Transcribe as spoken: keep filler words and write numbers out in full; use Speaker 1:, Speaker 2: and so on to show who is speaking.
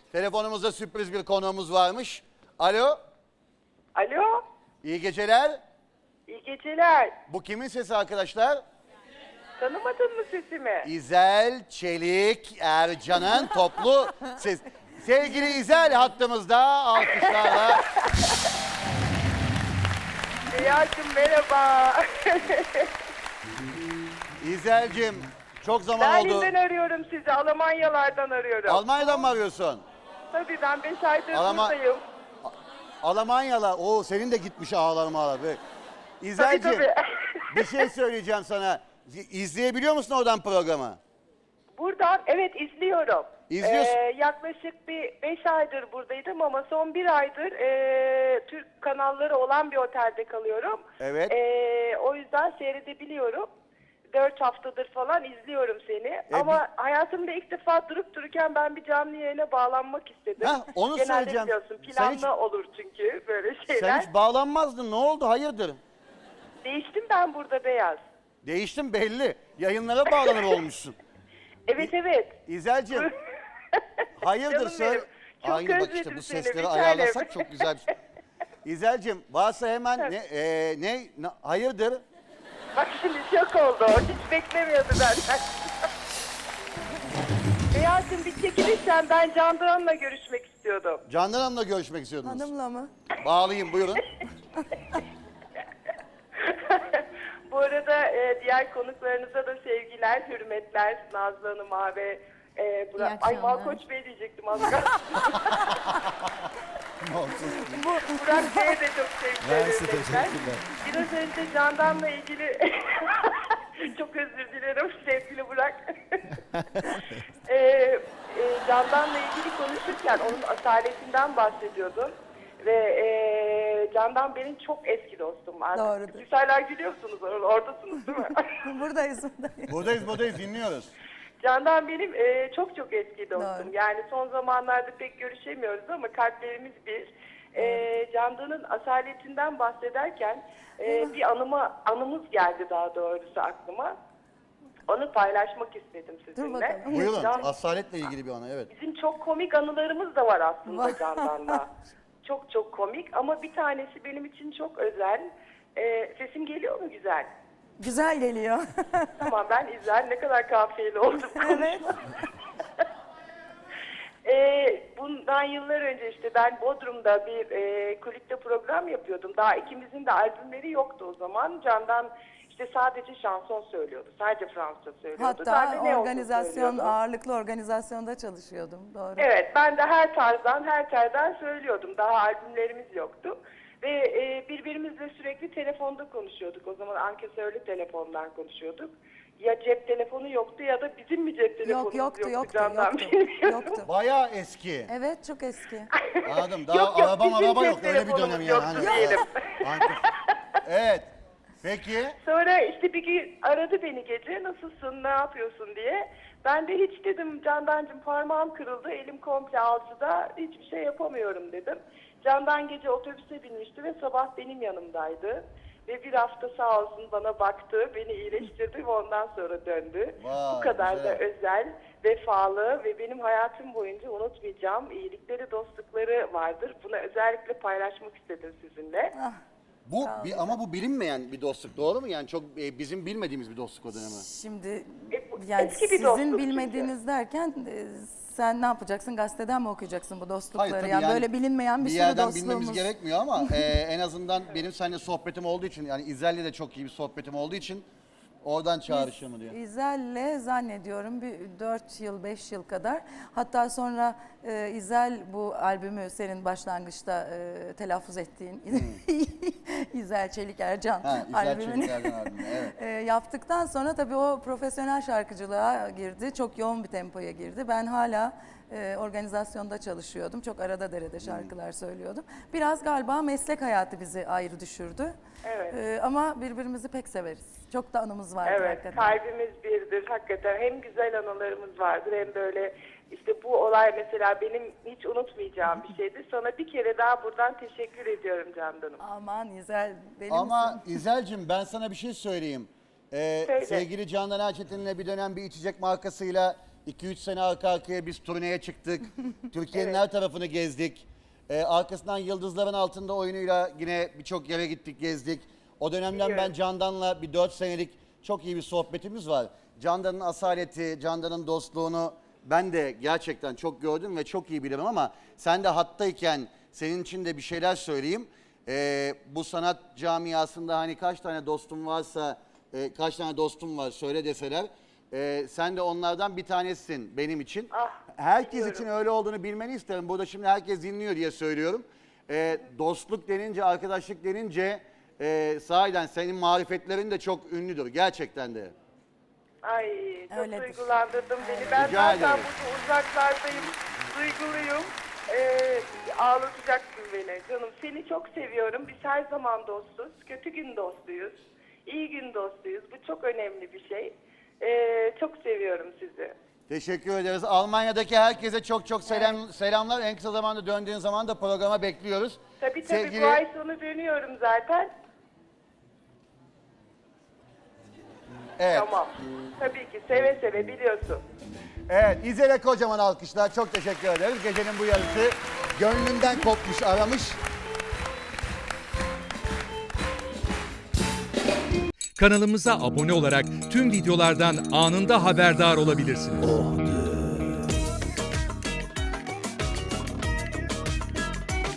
Speaker 1: Telefonumuzda sürpriz bir konuğumuz varmış. Alo,
Speaker 2: Alo,
Speaker 1: iyi geceler.
Speaker 2: iyi geceler.
Speaker 1: Bu kimin sesi arkadaşlar?
Speaker 2: Tanımadın mı sesimi?
Speaker 1: İzel Çelik Ercan'ın toplu ses. Sevgili İzel hattımızda alkışlarla.
Speaker 2: Rüyacığım merhaba.
Speaker 1: İzel'cim çok zaman oldu.
Speaker 2: Berlin'den arıyorum sizi, Almanyalardan arıyorum.
Speaker 1: Almanya'dan mı arıyorsun?
Speaker 2: Tabii ben beş aydır
Speaker 1: Alman-
Speaker 2: buradayım.
Speaker 1: Almanya'la. Oo senin de gitmiş ağlarım ağlar.
Speaker 2: Tabii
Speaker 1: İzel'cim
Speaker 2: tabii.
Speaker 1: bir şey söyleyeceğim sana. İzleyebiliyor musun oradan programı?
Speaker 2: Buradan evet izliyorum.
Speaker 1: İzliyorsun.
Speaker 2: Ee, yaklaşık bir beş aydır buradaydım ama son bir aydır ee, Türk kanalları olan bir otelde kalıyorum.
Speaker 1: Evet.
Speaker 2: Ee, o yüzden seyredebiliyorum. Dört haftadır falan izliyorum seni. Ama hayatımda ilk defa durup dururken ben bir canlı yayına bağlanmak istedim.
Speaker 1: Hah, onu
Speaker 2: Genelde
Speaker 1: söyleyeceğim.
Speaker 2: biliyorsun
Speaker 1: Sen
Speaker 2: planlı
Speaker 1: hiç-
Speaker 2: olur çünkü böyle
Speaker 1: Sen
Speaker 2: şeyler.
Speaker 1: hiç bağlanmazdın. Ne oldu? Hayırdır?
Speaker 2: Değiştim ben burada Beyaz.
Speaker 1: Değiştin belli. Yayınlara bağlanır olmuşsun.
Speaker 2: Evet evet.
Speaker 1: İzel'cim hayırdır
Speaker 2: Canım
Speaker 1: söyle.
Speaker 2: benim. Çok
Speaker 1: Aynı bak işte
Speaker 2: özledim
Speaker 1: bu
Speaker 2: seni,
Speaker 1: sesleri
Speaker 2: bir tanem.
Speaker 1: ayarlasak çok güzel bir şey. İzel'cim varsa hemen ne, e, ne, ne hayırdır?
Speaker 2: Bak şimdi şok oldu. Hiç beklemiyordu benden. Beyaz'cığım bir çekilirsen ben Candan'la görüşmek istiyordum.
Speaker 1: Candan Hanım'la görüşmek istiyordunuz.
Speaker 3: Hanımla mı?
Speaker 1: Bağlayayım buyurun.
Speaker 2: Bu arada e, diğer konuklarınıza da sevgiler, hürmetler. Nazlı Hanım'a ve e, Burak.
Speaker 3: İyi
Speaker 2: Ay
Speaker 3: akşamlar.
Speaker 2: Malkoç Bey diyecektim az kalsın.
Speaker 1: Olsun.
Speaker 2: Burak Bey'e de çok sevgiler,
Speaker 4: Mersi,
Speaker 2: hürmetler.
Speaker 4: teşekkürler.
Speaker 2: Biraz önce Candan'la ilgili çok özür dilerim sevgili Burak. e, e, Candan'la ilgili konuşurken onun asaletinden bahsediyordun. Ve e, Candan benim çok eski dostum var.
Speaker 3: Doğrudur.
Speaker 2: Siz hala gülüyorsunuz, or- oradasınız değil mi?
Speaker 3: Buradayız, buradayız.
Speaker 1: Buradayız buradayız dinliyoruz.
Speaker 2: Candan benim e, çok çok eski dostum.
Speaker 3: Doğru.
Speaker 2: Yani son zamanlarda pek görüşemiyoruz ama kalplerimiz bir. E, Candan'ın asaletinden bahsederken e, bir anıma anımız geldi daha doğrusu aklıma. Onu paylaşmak istedim sizinle.
Speaker 3: bakalım.
Speaker 1: Buyurun
Speaker 2: Can-
Speaker 1: asaletle ilgili bir ana evet.
Speaker 2: Bizim çok komik anılarımız da var aslında
Speaker 3: Var.
Speaker 2: Candan'la. Çok çok komik ama bir tanesi benim için çok özel. E, sesim geliyor mu güzel?
Speaker 3: Güzel geliyor.
Speaker 2: Tamam ben İzel ne kadar kafiyeli oldum
Speaker 3: Evet.
Speaker 2: konuşma. Ee, bundan yıllar önce işte ben Bodrum'da bir e, kulüpte program yapıyordum. Daha ikimizin de albümleri yoktu o zaman. Candan işte sadece şanson söylüyordu. Sadece Fransızca söylüyordu. Ben
Speaker 3: Hatta
Speaker 2: de ne olduğunu
Speaker 3: organizasyon,
Speaker 2: söylüyordum.
Speaker 3: ağırlıklı organizasyonda çalışıyordum. Doğru.
Speaker 2: Evet ben de her tarzdan her telden söylüyordum. Daha albümlerimiz yoktu. Ve e, birbirimizle sürekli telefonda konuşuyorduk. O zaman ankesörlü telefondan konuşuyorduk. Ya cep telefonu yoktu ya da bizim mi cep telefonumuz
Speaker 3: Yok yoktu, yoktu,
Speaker 2: Candan
Speaker 3: yoktu.
Speaker 2: bilmiyorum.
Speaker 3: Yoktu.
Speaker 1: Bayağı eski.
Speaker 3: Evet, çok eski.
Speaker 1: Anladım. Daha
Speaker 2: Yok, yok,
Speaker 1: araba
Speaker 2: bizim
Speaker 1: araba
Speaker 2: cep
Speaker 1: yok öyle bir dönem
Speaker 2: telefonumuz
Speaker 1: yani.
Speaker 2: yoktu
Speaker 1: Hani,
Speaker 2: diyelim.
Speaker 1: Anke- evet. Peki.
Speaker 2: Sonra işte bir gün aradı beni gece nasılsın ne yapıyorsun diye. Ben de hiç dedim Candancığım parmağım kırıldı elim komple alçıda hiçbir şey yapamıyorum dedim. Candan gece otobüse binmişti ve sabah benim yanımdaydı. Ve bir hafta sağ olsun bana baktı, beni iyileştirdi ve ondan sonra döndü.
Speaker 1: Vay,
Speaker 2: Bu kadar
Speaker 1: güzel.
Speaker 2: da özel, vefalı ve benim hayatım boyunca unutmayacağım iyilikleri, dostlukları vardır. Bunu özellikle paylaşmak istedim sizinle.
Speaker 3: Ah,
Speaker 1: Bu bir, ama bu bilinmeyen bir dostluk doğru mu? Yani çok e, bizim bilmediğimiz bir dostluk o dönemi.
Speaker 3: şimdi
Speaker 2: E, bu
Speaker 3: yani
Speaker 2: eski bir
Speaker 3: sizin
Speaker 2: dostluk
Speaker 3: bilmediğiniz derken e, sen ne yapacaksın? Gazeteden mi okuyacaksın bu dostlukları?
Speaker 1: tabii
Speaker 3: yani,
Speaker 1: yani
Speaker 3: böyle bilinmeyen bir,
Speaker 1: bir
Speaker 3: sürü
Speaker 1: yerden
Speaker 3: dostluğumuz.
Speaker 1: bilmemiz gerekmiyor ama e, en azından benim seninle sohbetim olduğu için yani İzel'le de çok iyi bir sohbetim olduğu için oradan çağrışımı diyor.
Speaker 3: İzel'le zannediyorum bir dört yıl, beş yıl kadar. Hatta sonra e, İzel bu albümü senin başlangıçta e, telaffuz ettiğin İzel Çelik Ercan
Speaker 1: Ha, İzel
Speaker 3: albümünü
Speaker 1: Çelik Ercan albümü, evet.
Speaker 3: e, yaptıktan sonra tabii o profesyonel şarkıcılığa girdi. Çok yoğun bir tempoya girdi. Ben hala e, organizasyonda çalışıyordum. Çok arada derede şarkılar söylüyordum. Biraz galiba meslek hayatı bizi ayrı düşürdü.
Speaker 2: Evet.
Speaker 3: E, ama birbirimizi pek severiz. Çok da anımız vardır
Speaker 2: Evet,
Speaker 3: hakikaten.
Speaker 2: kalbimiz birdir hakikaten. Hem güzel anılarımız vardır hem böyle işte bu olay mesela benim hiç unutmayacağım bir şeydi. Sana bir kere daha buradan teşekkür ediyorum Candan'ım.
Speaker 3: Aman İzel deli
Speaker 1: Ama
Speaker 3: misin?
Speaker 1: İzel'cim ben sana bir şey söyleyeyim. Ee,
Speaker 2: Söyle.
Speaker 1: sevgili Candan Erçetin'le bir dönem bir içecek markasıyla iki üç sene arka arkaya biz turneye çıktık. Türkiye'nin
Speaker 2: Evet.
Speaker 1: her tarafını gezdik. Ee, arkasından Yıldızların Altında oyunuyla yine birçok yere gittik, gezdik. O dönemden ben
Speaker 2: Biliyorum.
Speaker 1: Candan'la bir dört senelik çok iyi bir sohbetimiz var. Candan'ın asaleti, Candan'ın dostluğunu ben de gerçekten çok gördüm ve çok iyi bilirim ama sen de hattayken senin için de bir şeyler söyleyeyim. Ee, bu sanat camiasında hani kaç tane dostum varsa, e, kaç tane dostum var söyle deseler, e, sen de onlardan bir tanesisin benim için.
Speaker 2: Ah,
Speaker 1: Herkes
Speaker 2: biliyorum.
Speaker 1: için öyle olduğunu bilmeni isterim. Burada şimdi herkes dinliyor diye söylüyorum. Ee, dostluk denince, arkadaşlık denince e, sahiden senin marifetlerin de çok ünlüdür gerçekten de.
Speaker 2: Ay çok
Speaker 3: Öyledir.
Speaker 2: duygulandırdın beni. Ben
Speaker 1: Rica
Speaker 2: zaten
Speaker 1: ederim.
Speaker 2: burada uzaklardayım. Duyguluyum. Ee, ağlatacaksın beni canım. Seni çok seviyorum. Biz her zaman dostuz. Kötü gün dostuyuz. İyi gün dostuyuz. Bu çok önemli bir şey. Ee, çok seviyorum sizi.
Speaker 1: Teşekkür ederiz. Almanya'daki herkese çok çok selam, selamlar. En kısa zamanda döndüğün zaman da programa bekliyoruz.
Speaker 2: Tabii tabii
Speaker 1: Sevgili-
Speaker 2: bu ay sonu dönüyorum zaten.
Speaker 1: Evet.
Speaker 2: Tamam. Tabii ki seve seve biliyorsun.
Speaker 1: Evet, İzel'e kocaman alkışlar. Çok teşekkür ederiz. Gecenin bu yarısı gönlünden kopmuş, aramış.
Speaker 4: Kanalımıza abone olarak tüm videolardan anında haberdar olabilirsiniz.